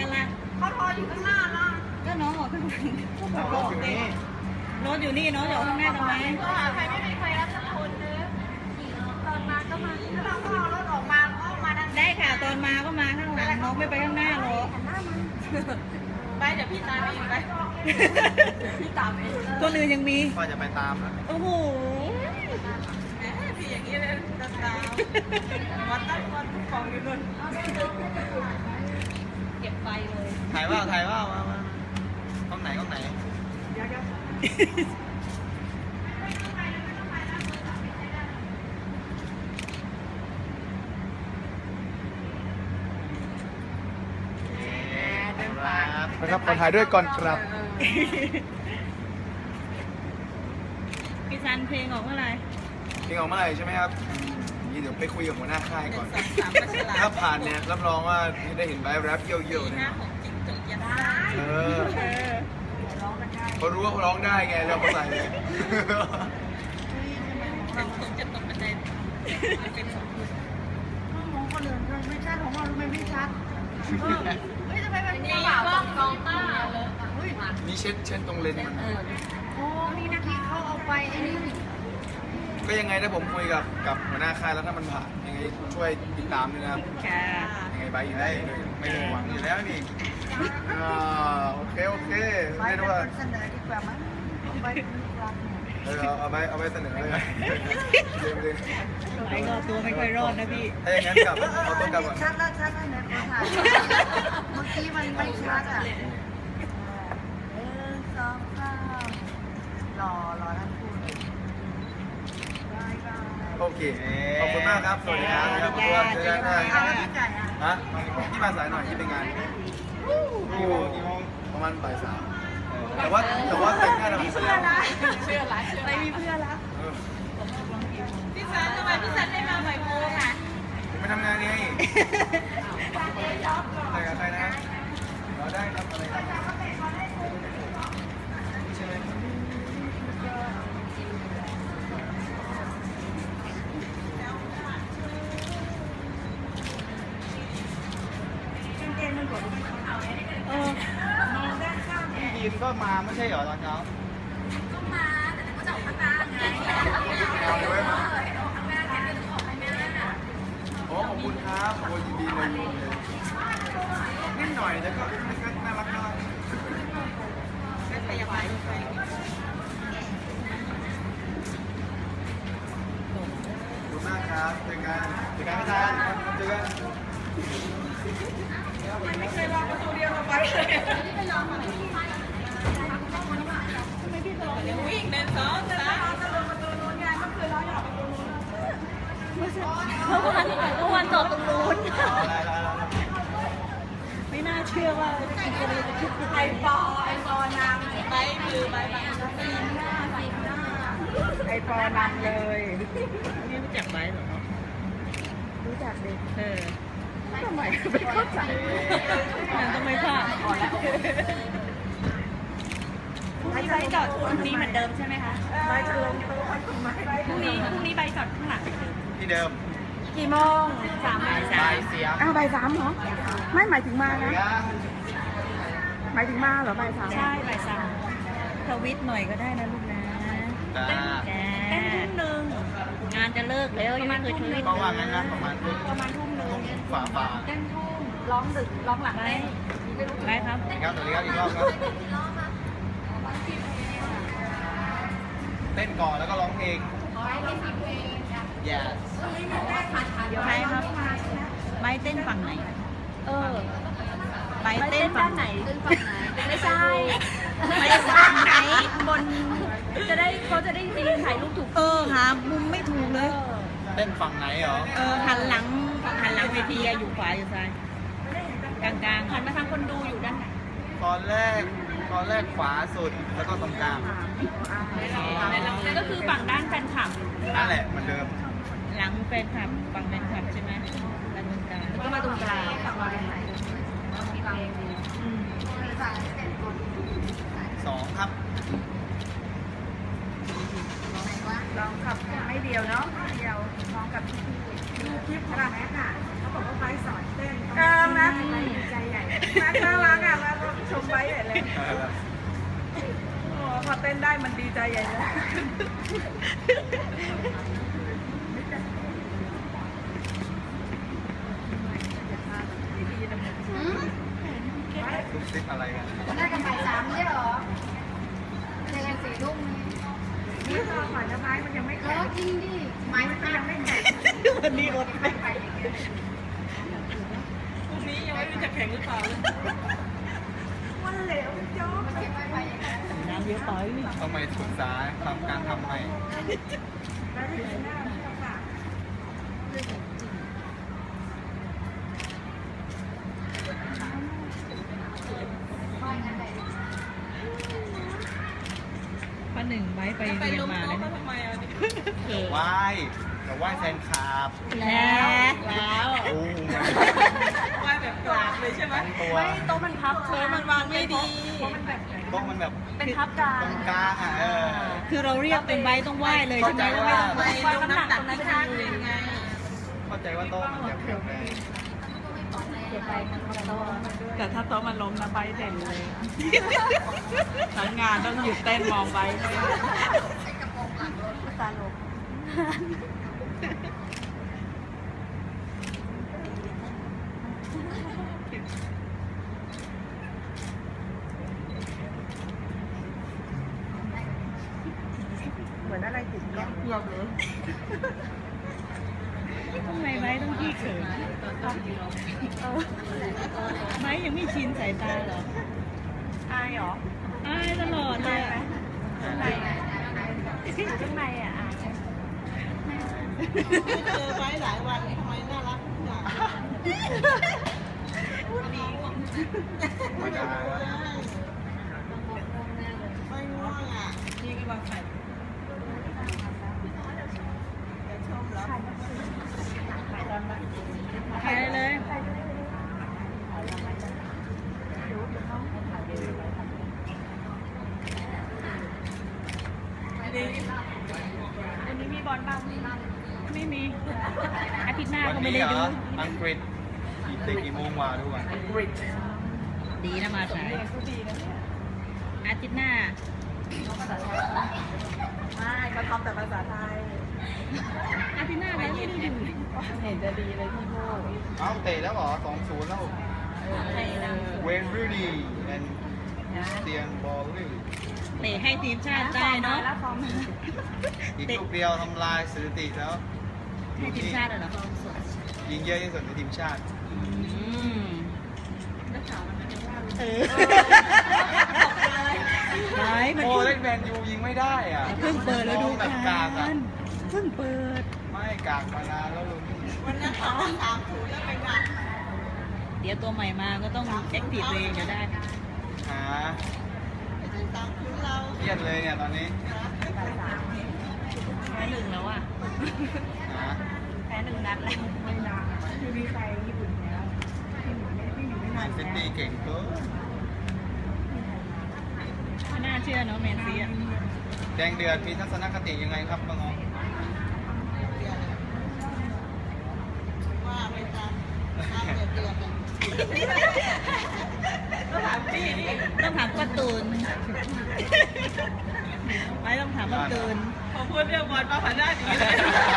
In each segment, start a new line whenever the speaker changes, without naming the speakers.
กันล่ะ
เขารออยู่ข้างหน้าล่ะ
ก็น้องบอกข้างหลัง
รถอยู่นี่
รถอยู่นี่น้องอยู่ข้างหน้าทำไม
ใครไม่มีใครรับสักคนนึงตอนมาก็มาแล้วเราก็เอารถออกมาด้าน
ได้ค่ะตอนมาก็มาข้างหลังน้องไม่ไปข้างหน้าหรอก
ไปเดี๋ยวพี่ตามเองไปพี่ตามเอง
คนอื่นยังมี
ก็จะไปตามนะ
โอ้โห
พี่อย่างนี้เลยตามวันตั้งวันของอยู่นู่น
เก็บไปเลย
ถ่ายว่ามาห้องไหนห้องไหนนะครับขอถ่ายด้วยก่อนครับ
พี่ซันเพลงออกเมื่อไหร่
เพลงออกเมื่อไหร่ใช่ไหมครับนี่เดี๋ยวไปคุยกับหัวหน้าค่ายก่อน
สามประชา
ถ้าผ่านเนี่ยรับรองว่าได้เห็นไบร์ทแรปเยี่ยวๆ
ห
นะ
น้าของจริงจกยันได้
เออเขารู้ว่าเขาร้องได้ไงเราก็ใส่เลย
เป็นคนจะตกบันไดเป็นสองคน
มองคนอื่นไม่ชัดของเราไม่ชัดเฮ้ยทำไมมัน
นี่กล้องกองต้าเลย
มีเช็ดตรงเลนส์มัน
โอ้นี่นะที่เขาเอาไปไอ้นี่
ก็ยังไงถ้าผมคุยกับหัวหน้าค่ายแล้วถ้ามันผ่านยังไงช่วยติดตามด้วยนะครับ
ค่ะ
ยังไงไบร์ทอยู่ได้ไม่ได้หวังอยู่แล้วนี่โอเค
ไป
ไม่
เป็
รู้
น
ว่า
คนเสนอดีกว่ามั้งไปรับเนี่ย
เอาไปเสนอเลยเลย
ไอ้ก็ตัวไม่ค่อยรอดนะพี่
ถ้าอย่างนั้นกลับเอาต้นกลับก่อน
ชัดแล้วเนี่ยขอถ่ายเมื่อกี้มันไม่ชัดอ่ะสองข้าวรอทั้งคู่เลยบาย
โอเคขอบคุณมากครับสวัสดีครับครับเจอกันนะ
แล้วพี่ไก่อ่ะ
ฮะที่มาสายหน่อยที่เป็นงานกี่โมงประมาณบ่าย 3แต่ว่าแต่งหน้าทำไมเสื้อ
เชื่อหลายไม่มีเพื่อนละพี่สันทำไมพี่สันได้มาบ่ายโมงอ่ะ
ผมไปทำงานไงไปกับใครนะเราได้ครับอะไรครับใช่ไหม
เออ
พี่ยีนก็มาไม่ใช่เหรอตอนเช้า
ก็มาแต่ก็จะออกข้างหน้าไง
เอาเลยมา
ออกข้างหน้าแค่จะออกข้างหน้า
โอ้ขอบคุณครับโอ้ยินดีเลยนิดหน่อยแต่ก็น่ารัก
ไม่พยาบาล
ขอบคุณมากครับเจอกันไม่ทันเจอกัน
ไม่เคยวางประตูเดียวเราไปเลยวิ่งเดินสองสาม
เมื่อวานจอดตรงนู้น
อะไร
ไม่น่าเชื่อว่าจะเลยจะคิด
ไอปอนางไปมือไปบาง
ไอปอนำเลย
นี่รู้จักไหมเหรอ
รู้จักดิ
เออ
ทำไมไม่เข้าใจ
ยังต้องไม่พลาด
ใบจอดตรงนี้เหมือนเดิมใช่ไหมคะ
ไปจะลงโต๊ะทำไม
พรุ่งนี้ใบจอดข้างหลัง
ที่เดิม
กี่โมง
บ่ายเสียง
อ้าวบ่าย 3เหรอไม่หมายถึงมานะหมายถึงมาเหรอบ่าย 3
ใช่บ่ายสามทวิตหน่อยก็ได้นะลูกนะ
จ้า
เต้นทุ่มหนึ่งงานจะเลิกแล้วยังไม่เคยทวิต
ก็ว่างั้นนะประมาณ
ทุ่มหนึ่ง
ฝ่า
เต้นทุ่มร้องดึกร้องหลัง
ได้
เต้น
ได้ครับ
ครับสวัสดีครับอีกรอบครับเต้นก่อนแล้วก็ร้องเพลง yes
ใช่ครับไม้เต้นฝั่งไหนไม้เต้นฝั่งไหน
ไม่ใช่
ไม้ฝั่งไหน
บนจะได้เขาจะได้ไปยืนถ่ายรูปถูก
หามุมไม่ถูกเลย
เต้นฝั่งไหนเหรอ
หันหลังเวทีอะอยู่ขวาอยู่ซ้ายกลางๆ
หันมาทางคนดูอยู่ด้านไหน
ตอนแรกขวาสุดแล้วก็ตรงกลาง
ก็คือฝั่งด้านแฟนคลับ
นั่นแหละเหมือนเดิม
หลังแฟนคลับฝั่งแฟนคลับใช่ไหมแล้วตรงกลาง
ก็มาตรงกลาง
2ครับ
ลองขับไม่เดียวเนาะไม่เดียวลองกับดูคลิปขนาดนี้ค่ะเขาบอกว่าไปสอนเต้นนะใจใหญ่น่ารักอ่ะมาชมไว้ใหญ่เลยโอ้พอเต้นได้มันดีใจใหญ่เลย
ซุบซิบอะไรกัน
ได้กันบ่าย3ไม่ใช่เหรอเจอกัน4 ทุ่มนี่
นี่รอก่อนนะไม้มันยังไม่
แล้
แข็
ว
ง
จริงดิไม้มันยังไม่แข็ง
วันนี้อดไป
พรุ่งนี้ยังไม่รู้จะแข่งหรือเปล่าเลย
มันเหลวโจ๊ก
มันเก็บไว้ไปอย่างนั้น
น้ำเยอะไป
ต้องไปศึกษาทำการทำใหม่
ได้ถึงหน้าค่ะ
ว่างั้นเลย
ป้าหนึ่งไว้ไป
ไป
เรีย
ล
น
ง
มา
โต๊ะ
เลย
เขาทำไมอ่ะนี่
เกิด
ไหว้แต่ไหว้แทนคาบ
แล้ว
โอ้
ไหว้แบบกราบเลยใช่ไหม
ตัว
โต๊ะมันพับ
เออมันวางไม่ดี
มันแบบ
โต๊ะมันแบบ
เป็นพับกลาง
ตรงกลางอ่ะ
คือเราเรียกเป็นใบต้องไหว้เลยใช่ไหม
เข้าใจว่า
ไปลงน้ำหนักที่ข้างเลยไง
เข้าใจว่าโต๊ะมันจะแข็งแรง
แต่ถ้าโต๊ะมันล้มนะใบเด่นเลยทั้งงานต้องหยุดเต้นมองใบ
ตาลง เหมือนอะไรติดแก้ม
เกือบเลย
ทำไมไม้ต้องขี้เขินไม้ยังไม่ชินสายตาเหรอ
อายเหรอ
อายตลอดเลยอะ
ข้างในอยู่ข้างในอ่ะอาย
เจอไว้หลายวันทำไมน่ารักจัง
ไม่ได้
ไม่ง่วงอ่ะนี่กำลังใส่ชมแล้ว
ใครเลย
วันนี้มีบอลบ้าง
ไม่มี อาทิตย์หน้า
วัน
ก็ไม่
นี้
ได้
เหร
ดู
ออังกฤษกี่โมงวาด้วย
ดีนะมาสาย
ดีนะเนี่ย
อาทิตย์หน้า
ไม่เขาทำแต่ภาษาไทย
อาทิตย์หน้าเราไม่ได้ดู
เห็นจะดีเลยพี่โม
เอ้าเตะแล้วเหรอ 2-0 แล้ว เวนรูนีแอนเตียนบอลลี่
เตะให้ทีมชาติได้เนาะ
แล้วฟอร์ม
อีกลูกเดียวทำลายสถิติแล้ว
ให้ทีมชาติเหรอ
ยิงเยอะที่สุดในทีมชาติ
เออไม้มัน
โอ้เล่นแมนยูยิงไม่ได้อ่ะ
เพิ่งเปิดแล้วดู
แบบกากอ่ะ
เพิ่งเปิด
ไม่กากมานานแล้วลุง
วันนั้นเขา3-0แล้วไปงาน
เดี๋ยวตัวใหม่มาก็ต้องแอคทีฟเองเดี๋ยวได้
หา
ไปถึง3-0เรา
เครียดเลยเนี่ยตอนนี้
แพ้หนึ่งแล้วอ่ะ
หา
แพ้หนึ่งนัดแล้ว
ไม่นานคือมีใครญี่ปุ่นแล้วพี่อยู่ไม่
แม
นาน
นซิตี้เก่งเกิน
ไม่น่าเชื่อเนาะแมนซีอ่ะ
แดงเดือดมีทัศนคติยังไงครับป้าง้อ
ว่าไปตามเดือดก็ถามพี่นี่
ต้องถามป้าตูนไม่ต้องถามป้าตูน
พอพูดเรื่องบอลป้าผ่านหน้าดีเลย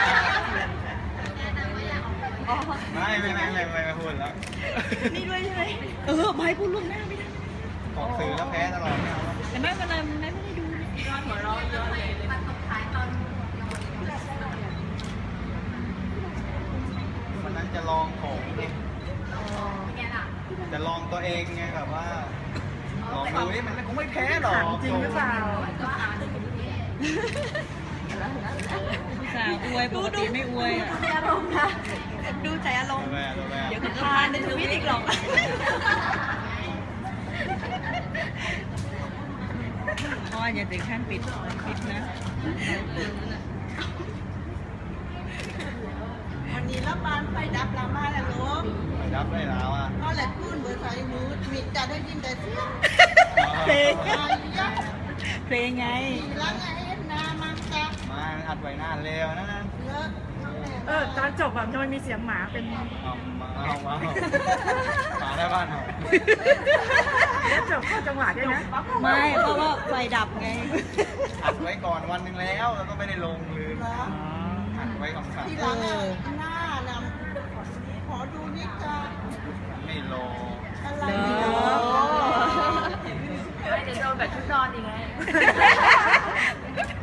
ไม่พูดแล้ว
นี่ด้วยใช่ไหมไม่พูดล่วงหน้าไม่ได้
ออกสื่อแล้วแพ้ตลอดไม่เอาแล้ว
แต่ไม่เป็นไรไม่ได้ดู
หัวเราะเยอะเลย
วันนั้นจะลองของจะลองตัวเองไงแบบว่าลองดูนี่มันคงไม่แพ้หรอก
จริงหรือเปล่า
ผู้สาวอวยปกติไม่อวยอ่ะ
อารมณ์นะดูใจอารมณ์
แม่ตัวแม่
เดี๋ยวก็ทานในทวิตอีกหรอก
อ้ออย่าถึงขั้นปิดนะ
วันนี้รับบานไฟดับลามาแล้วลูก
ไปรับได้แล้วอ่ะ
ก็แหละคุณเบอร์ไฟมูดมิดจะได้ยินแต่เสียง
เพลง
ไอ้ยักษ์
เพลงไง
ลังไอ้นามันจะ
มาอัดไว้นานเร็วนะ
เลิกตอนจบแบบมันมีเสียงหมาเป็น
เอาหมาได้บ้านเห่า
จบเข้าจังหวะด้วยนะ
ไม่เพราะว่าไฟดับไง
อัดไว้ก่อนวันหนึ่งแล้วก็ไม่ได้ลงลืมอัดไว้คำสั่ง
เออ
หน้านำขอดูนิดจ้า
ไม่รอ
อะไร
เอ
เนี่ย
อ
เดี๋ยวโดนแบบชุดนอนอีกไง